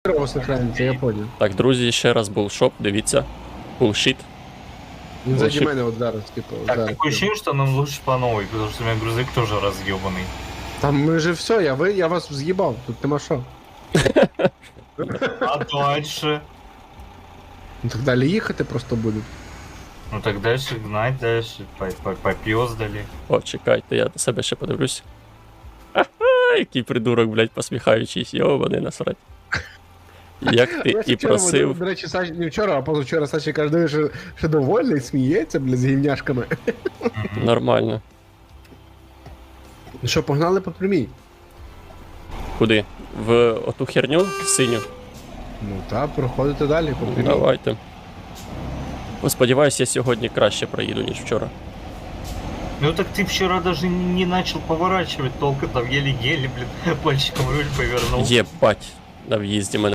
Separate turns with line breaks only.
херово сохраниться, я понял.
Так, друзі, ще раз булшоп, дивіться. Булшіт.
Він заді
Лучше-
мене от зараз, типу,
Так,
зараз.
такое ощущение, что нам лучше по новой, потому что у меня грузовик тоже разъебанный.
Там ми же все, я вас з'їбав, тут нема що.
А дальше?
Ну так далі їхати просто будуть.
Ну так дальше гнать, дальше попёздали.
О, чекайте, я до себе ще подивлюсь. Ага, який придурок, блядь, посміхаючись, йобаний насрать. Як ти і просив.
До речі, Саші, не вчора, а позавчора Саші каже, що довольний, сміється, бля, з гівняшками.
Нормально.
Ну що, погнали по прямій?
Куди? В оту херню синю?
Ну так, проходите далі по прямій.
Давайте. Сподіваюсь, я сьогодні краще проїду, ніж вчора.
Ну так ты вчера даже не начал поворачивать толком, там еле-еле, блин, пальчиком руль повернул.
Єбать, на в'їзді мене